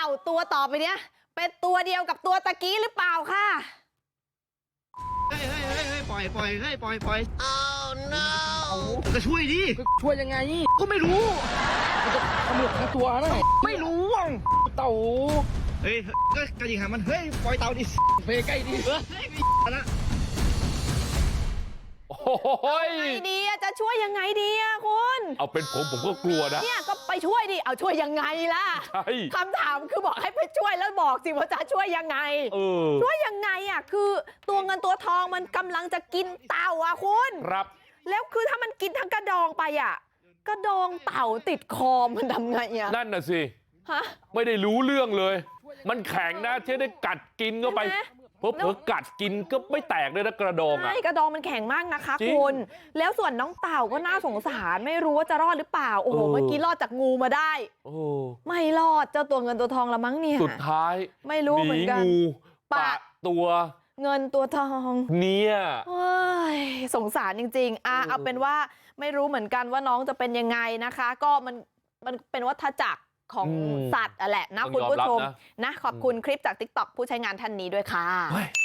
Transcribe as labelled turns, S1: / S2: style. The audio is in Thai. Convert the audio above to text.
S1: าตัวต่อไปเนี้ยเป็นตัวเดียวกับตัวตะกี้หรือเปล่าค่ะ
S2: เฮ้ยปล่อยเฮ้ยปล่อย oh no จะช่วยดิ
S3: ช่วยยังไง
S2: ก็ไม่รู้
S3: ตำรวจทั้งตัวนะ
S2: ไม่รู้
S3: เต่า
S2: เฮ้ยก็กระดิ่งหางมันเฮ้ยปล่อยเต่าดิ
S3: ไปใกล้ดิ
S2: เฮ้ยละ
S3: โอ้ย
S1: ไงดีจะช่วยยังไงดีคุณ
S3: เอาเป็นผมก็กลัวนะ
S1: เนี่ยก็ไปช่วยดิเอาช่วยยังไงล่ะ
S3: ใช่
S1: คำถามคือบอกให้ไปช่วยแล้วบอกสิว่าจะช่วยยังไงช่วยยังไงคือตัวเงินตัวทองมันกำลังจะกินเต่าคุณ
S3: ครับ
S1: แล้วคือถ้ามันกินทั้งกระดองไปกระดองเต่าติดคอมันทำไง
S3: นั่นน่ะสิไม่ได้รู้เรื่องเลยมันแข็งนะที่ได้กัดกินเข้าไปเผลอกัดกินก็ไม่แตกด้วยนะกระดอง
S1: ใช่กระดองมันแข็งมากนะคะคุณแล้วส่วนน้องเต่าก็น่าสงสารไม่รู้ว่าจะรอดหรือเปล่าโอ้โหเมื่อกี้รอดจากงูมาได้ไม่รอดเจ้าตัวเงินตัวทองละมั้งเนี่ย
S3: สุดท้าย
S1: ไม่รู้เหมือนกัน
S3: งูปะตัว
S1: เงินตัวทอง
S3: เนี่ย
S1: สงสารจริงๆเอาเป็นว่าไม่รู้เหมือนกันว่าน้องจะเป็นยังไงนะคะก็มันเป็นวัฏจักรของสัตว์แหละนะคุณผู้ชมนะขอบคุณคลิปจาก TikTok ผู้ใช้งานท่านนี้ด้วยค่ะ